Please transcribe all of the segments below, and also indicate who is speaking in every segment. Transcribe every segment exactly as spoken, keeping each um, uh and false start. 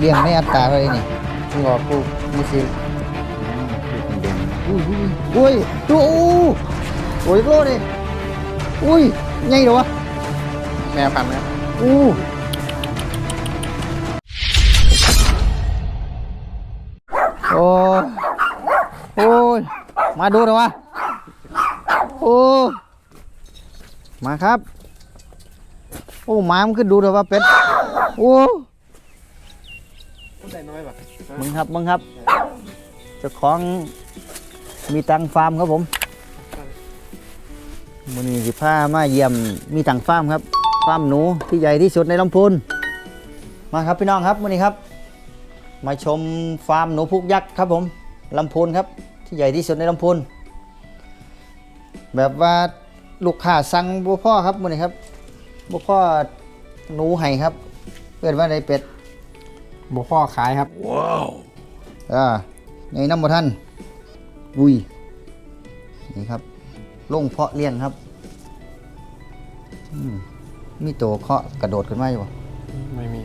Speaker 1: เลี้ยงในอัตราอะไรนี่
Speaker 2: มึงออกลูกมือคืน
Speaker 1: อุ้ยอุ้ยดูโอ้ยโลดิอุ้ยใหญ่เหรอวะ
Speaker 2: แม่พันธุ์นะครับ
Speaker 1: อู้โอ้โอ้ยมาดูหน่อยวะโอ้มาครับโอ้หมามันขึ้นดูหน่อยว่าเป็ดโอ้
Speaker 2: ใส่น้อยป่ะ
Speaker 1: มึงครับมึงครับเจ้าของมีตังฟาร์มครับผมมื้อนี้สิพามาเยี่ยมมีตังฟาร์มครับฟาร์มหนูที่ใหญ่ที่สุดในลำพูนมาครับพี่น้องครับมื้อนี้ครับมาชมฟาร์มหนูพุกยักษ์ครับผมลำพูนครับที่ใหญ่ที่สุดในลำพูนแบบว่าลูกค้าสั่งบ่พ่อครับมื้อนี้ครับบ่พ่อหนูให้ครับเปิดว่าได้เป็ด
Speaker 2: บ่พ่อขายครับ
Speaker 1: ว้าวอ่าในน้ำบ่ท่านวุ้ยนี่ครับลงเพาะเลี้ยงครับมีตัวเคาะกระโดดขึ้นมาอยู่บ่
Speaker 2: ไม่มี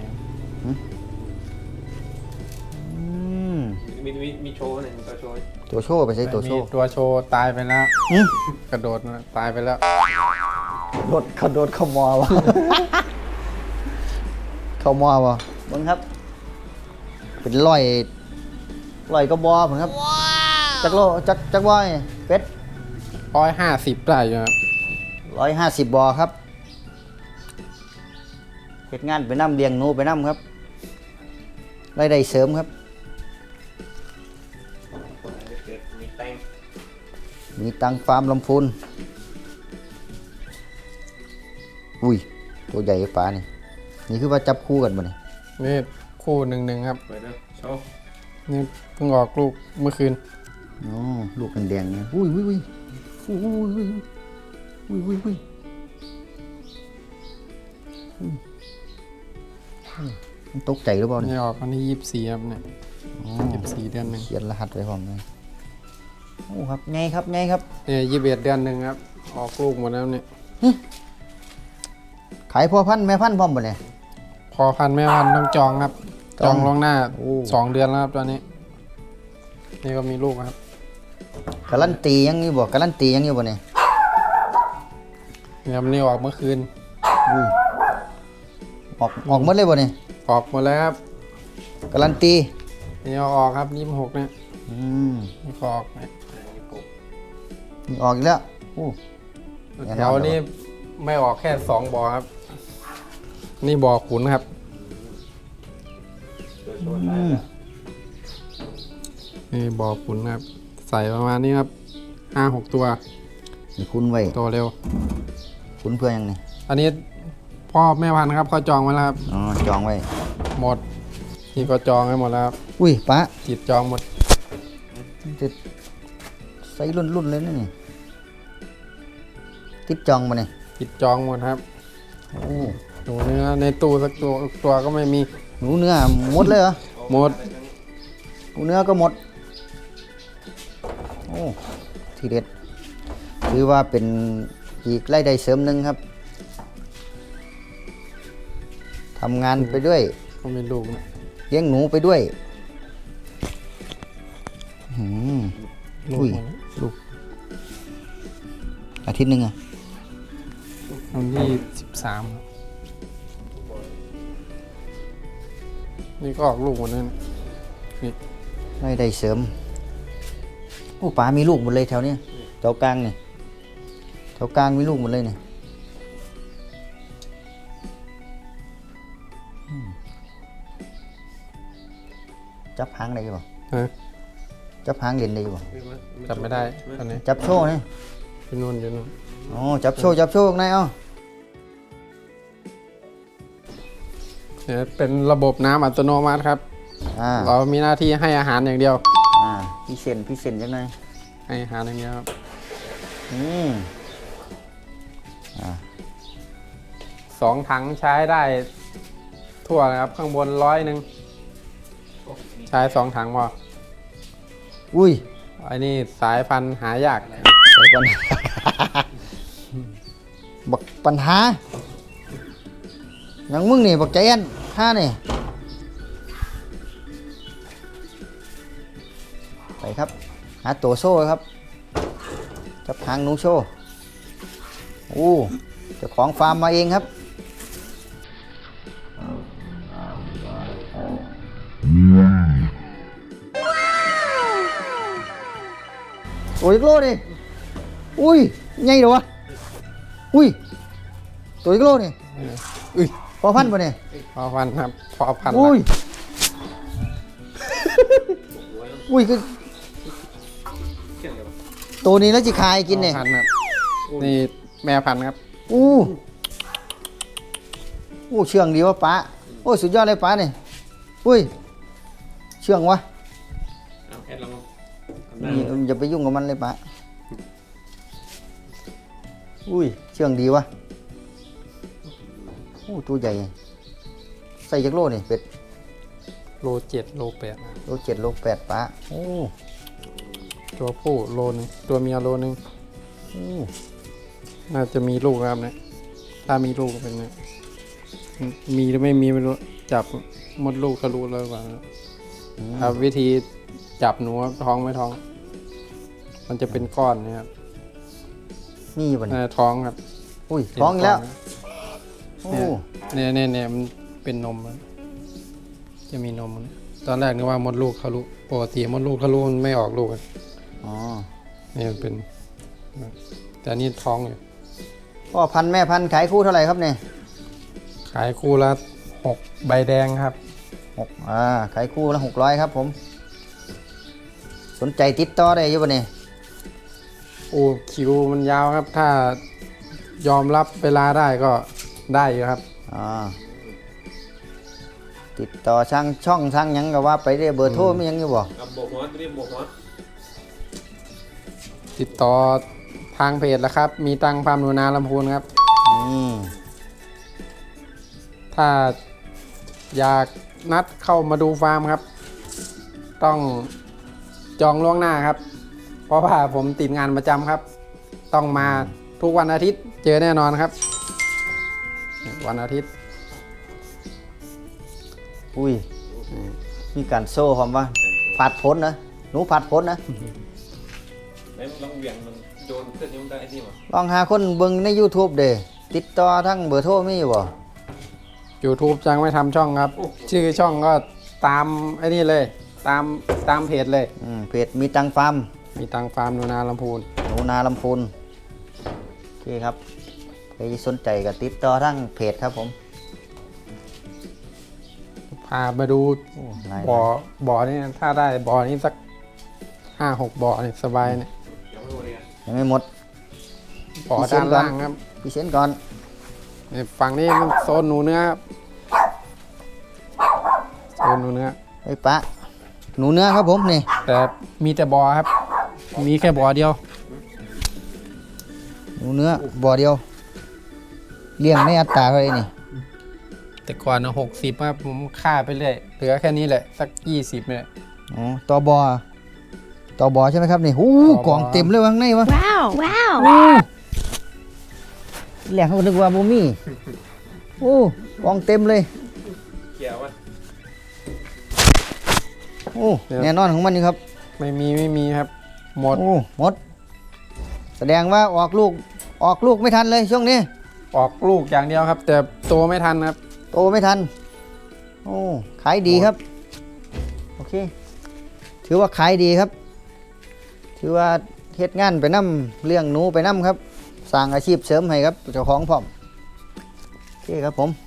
Speaker 1: อืม
Speaker 3: มีมีมีโชว์หนึ่งตัวโชว์
Speaker 1: ตัวโชว์ไปใช้ตัวโชว์
Speaker 2: ตัวโชว์ตายไปแล้ว
Speaker 1: หืม
Speaker 2: กระโดดตายไปแล้ว
Speaker 1: โดดกระโดดเข้ามอวะ เข้ามอวะบังครับ เป็นร้อยร้อยกระบอกผมครับจักโลจักจักบอยเป็ด
Speaker 2: ร้อยห้าสิบได้อยู่ครับ
Speaker 1: ร้อยห้าสิบบอครับเหตุงานไปน้ำเลี้ยงหนูไปน้ำครับรายได้เสริมครับ
Speaker 3: มีแตง
Speaker 1: มีตังฟาร์มลำพูนอุ้ยตัวใหญ่ปลานี่นี่คือว่าจับคู่กันบ่เนี่ย
Speaker 2: นี่คู่หนึ่งหนึ่งครับ
Speaker 3: เปิดเลยโชว์
Speaker 2: นี่เพิ่งออกลูกเมื่อคืน
Speaker 1: อ๋อลูกแดงๆเนี่ยอุ้ยอุ้ยอุ้ยอุ้ยอุ้ยอุ้ยอุ้ยอุ้ยมันตกใจหรือเปล่าเนี่ย
Speaker 2: นี่ออกวันที่ยี่สิบสี่ครับเนี่ย
Speaker 1: อ๋อ
Speaker 2: ยี่สิบสี่เดือนหนึ่ง
Speaker 1: เขียนรหัสไว้พร้อมเลยโอ้ครับไงครับไงครับ
Speaker 2: เนี่ยยี่สิบเอ็ดเดือนหนึ่งครับออกลูกหมดแล้วเนี่ย
Speaker 1: ขายพ่อพันธุ์แม่พันธุ์พร้อมบ่เนี่ย
Speaker 2: พอพันธุ์แม่พันธุ์ต้องจองครับ
Speaker 1: จ
Speaker 2: จ
Speaker 1: อ
Speaker 2: อง งล่วงหน้า
Speaker 1: โอ้
Speaker 2: สองเดือนแล้วครับตอนนี้ นี่ก็มีลูกครับ
Speaker 1: การันตียังอยู่บ่การันตียังอยู่บ่เนี่ย
Speaker 2: เนี่ยมันนี่ออกเมื่อคืน
Speaker 1: อุ้ยออกออกหมดเลยบ่เนี่ย
Speaker 2: ออกหมดแล้วครับ
Speaker 1: การันตี
Speaker 2: นี่เอาออกครับยี่สิบหกเนี่ย
Speaker 1: อืม
Speaker 2: นี่ก็ออกเนี่ย
Speaker 1: นี่ออกอีกแล้วโอ้ แน่นอน
Speaker 2: แถวนี้ไม่ออกแค่สองบ่อครับ นี่บ่อขุนครับ
Speaker 3: ตัวโชว์ตายแล้ว
Speaker 2: นี่บ่อขุนครับ ใส่ประมาณนี้ครับห้าหกตัว
Speaker 1: นี่คุณไว้
Speaker 2: โตเร็ว
Speaker 1: คุณเพื่อยังนี่
Speaker 2: อันนี้พ่อแม่พันธุ์ครับเขาจองไว้แล้วครับ
Speaker 1: อ๋อจองไว้
Speaker 2: หมด นี่ก็จองไว้หมดแล้วครับ
Speaker 1: อุ้ยป้า
Speaker 2: จิตจองหมด
Speaker 1: จะใส่รุ่นรุ่นเลยนะนี่ติดจองมาเนี่ย
Speaker 2: จิตจองหมดครับ
Speaker 1: โอ้
Speaker 2: หนูเนื้อในตู้สักตัวตัวก็ไม่มี
Speaker 1: หนูเนื้อหมดเลยเหรอ
Speaker 2: หมด
Speaker 1: หนูเนื้อก็หมดโอ้ทีเด็ดถือว่าเป็นอีกรายได้เสริมหนึ่งครับทำงานไปด้วย
Speaker 2: ก็มีลูกนะ
Speaker 1: เลี้ยงหนูไปด้วยหืม
Speaker 2: ลูก
Speaker 1: อุ้ย
Speaker 2: หมดนะ
Speaker 1: ลูกอาทิตย์หนึ่งอะ
Speaker 2: วันที่สิบสามนี่ก็ออกลูกหมดนั่นนี่
Speaker 1: รายได้เสริมโอ้ป๋ามีลูกหมดเลยแถวเนี้ยแถวกลางเนี่ยแถวกลางมีลูกหมดเลยเนี่ยอืมจับหางได้ป่ะ
Speaker 2: ฮะ
Speaker 1: จับหางเล่นได้ป่ะ
Speaker 2: จับไม่ได้ตอนนี้
Speaker 1: จับโชว์นี่
Speaker 2: อยู่นู่นอยู่นู่น
Speaker 1: อ๋อจับโชว์จับโชว์ข้างในเอา
Speaker 2: เนี่ยเป็นระบบน้ำอัตโนมัติครับ
Speaker 1: อ่า
Speaker 2: เรามีหน้าที่ให้อาหารอย่างเดียว
Speaker 1: อ่าพี่เซนพี่เซนจังไง
Speaker 2: ให้อาหารอย่างเดียวครับ
Speaker 1: อืมอ่า
Speaker 2: สองถังใช้ได้ทั่วเลยครับ ข้างบนร้อยหนึ่งใช้สองถังพอ
Speaker 1: อุ้ย
Speaker 2: ไอ้นี่สายพันธุ์หายาก
Speaker 1: ใส่ปัญหา บักปัญหาอย่างมึงนี่บักใจแอนข้านี่ไปครับหาตัวโซ่ครับจับหางหนูโซ่โอ้เจ้าของฟาร์มมาเองครับตัวอีกโลดิอุ้ยใหญ่เดี๋ยววะอุ้ยตัวอีกโลนี่
Speaker 2: อุ้ย
Speaker 1: พอพันป่ะเนี่ย
Speaker 2: พอพันครับพอพัน
Speaker 1: อุ้ย
Speaker 2: ละ
Speaker 1: อุ้ยคือ
Speaker 3: เชื่องเลยวะ
Speaker 1: ตัวนี้แล้วจิคายกินเนี่ย
Speaker 2: พอพันครับนี่แม่พันธุ์ครับ
Speaker 1: อู้อู้เชื่องดีวะป้าโอ้ยสุดยอดเลยป้าเนี่ยอุ้ยเชื่องวะ
Speaker 3: เอาแอดลองทำได้
Speaker 1: นี่อย่าไปยุ่งกับมันเลยป้าอุ้ยเชื่องดีวะโอ้ตัวใหญ่ใส่จักโลนี่เป็ด
Speaker 2: โลเจ็ดโลแปดนะ
Speaker 1: โลเจ็ดโลแปดป้าโอ้
Speaker 2: ตัวผู้โลนึงตัวเมียโลนึง
Speaker 1: โอ้
Speaker 2: น่าจะมีลูกครับเนี่ยถ้ามีลูกก็เป็นเนี่ยมีหรือไม่มีไม่รู้จับมดลูกก็รู้แล้วว่า
Speaker 1: อืม
Speaker 2: ครับวิธีจับหนูครับท้องไม่ท้อง มันจะเป็นก้อนเนะครับ
Speaker 1: นี่อยู่ป่ะ
Speaker 2: น่า
Speaker 1: เนี่ย
Speaker 2: จะท้องครับ
Speaker 1: อุ้ยท้องอีกแล้วโอ้
Speaker 2: เนี่ยเนี่ยเนี่ยมันเป็นนมแล้วจะมีนมนะตอนแรกนึกว่ามดลูกทะลุปกติมดลูกทะลุมันไม่ออกลูกอะ
Speaker 1: อ๋อ
Speaker 2: นี่มันเป็นแต่นี่ท้องอยู่
Speaker 1: พ่อพันธุ์แม่พันธุ์ขายคู่เท่าไหร่ครับเนี่ย
Speaker 2: ขายคู่ละหกใบแดงครับ
Speaker 1: หกอ่าขายคู่ละหกร้อยครับผม สนใจติดต่อได้อยังป่ะเนี่ย
Speaker 2: โอ้คิวมันยาวครับ ถ้ายอมรับเวลาได้ก็ได้อยู่ครับ
Speaker 1: อ่าติดต่อช่างช่องช่างหยังก็ว่าไปได้เบอร์โทรมีหยังอยู่บ่
Speaker 3: เอาโบกหัวตัวนี้โบกหัว
Speaker 2: ติดต่อทางเพจแล้วครับ มีตังฟาร์มหนูนาลำพูนครับ
Speaker 1: อืม
Speaker 2: ถ้าอยากนัดเข้ามาดูฟาร์มครับ ต้องจองล่วงหน้าครับ เพราะว่าผมติดงานประจำครับ ต้องมาทุกวันอาทิตย์เจอแน่นอนครับ วันอาทิตย์
Speaker 1: อุ้ยมีการโซ่ความว่าผัดผลนะหนูผัดผลนะ
Speaker 3: ไหนลองเหวี่ยงมันโดนเพื่อนยังได้ไอ้นี่หรอ
Speaker 1: ลองหาคนเบิ่งใน YouTube เด้ติดต่อทั้งเบอร์โทรมีอยู่บ่
Speaker 2: YouTube จังไม่ทำช่องครับ ชื่อช่องก็ตามไอ้นี่เลย ตามตามเพจเลย
Speaker 1: อืมเพจมีตังฟาร์ม
Speaker 2: มีตังฟาร์มหนูนาลำพูน
Speaker 1: หนูนาลำพูนโอเคครับใครสนใจก็ติดต่อทั้งเพจครับผม
Speaker 2: พามาดู
Speaker 1: โอ้หลาย
Speaker 2: บ่อบ่อนี่ถ้าได้บ่อนี้สักห้าหกบ่อนี่สบายเนี่ย
Speaker 3: ยังไม่หมดเลยอะ
Speaker 1: ยังไม่หมด
Speaker 2: บ่อ
Speaker 1: พิเศษ
Speaker 2: ด้าน
Speaker 1: ก่อน
Speaker 2: ล่างครับ
Speaker 1: พี่เชนก่อน
Speaker 2: นี่ฝั่งนี้มันโซนหนูเนื้อครับโซนหนูเนื้อ
Speaker 1: ไอ้ปะหนูเนื้อครับผมนี่
Speaker 2: แต่มีแต่บ่อครับ มีแค่บ่อเดียว
Speaker 1: หนูเนื้อบ่อเดียวเลี้ยงในอัตราเท่าไหร่นี่
Speaker 2: แต่ก่อนหกสิบครับผมฆ่าไปเรื่อยเหลือแค่นี้แหละ สักยี่สิบเนี่ย
Speaker 1: อ๋อต่อบอต่อบอใช่ไหมครับนี่โอ้
Speaker 2: ต่อบอ
Speaker 1: กล่องเต็มเลยวะข้างในวะ
Speaker 4: Wow, wow.
Speaker 1: แหลกเขานึกว่าบ่มีโอ้กล่องเต็มเลย
Speaker 3: เกี่ยววะ
Speaker 1: โอ้แน่นอนของมันนี่ครับ
Speaker 2: ไม่มีไม่มีครับ หมด
Speaker 1: โอ้หมด แสดงว่าออกลูกออกลูกไม่ทันเลยช่วงนี้
Speaker 2: ออกลูกอย่างเดียวครับ แต่โตไม่ทันครับ
Speaker 1: โตไม่ทันโอ้ขายดีครับโอเคถือว่าขายดีครับ ถือว่าเฮ็ดงานไปนํเลี้ยงหนูไปนํครับสร้างอาชีพเสริมให้ครับเจ้าของพร้อมโอเคครับผม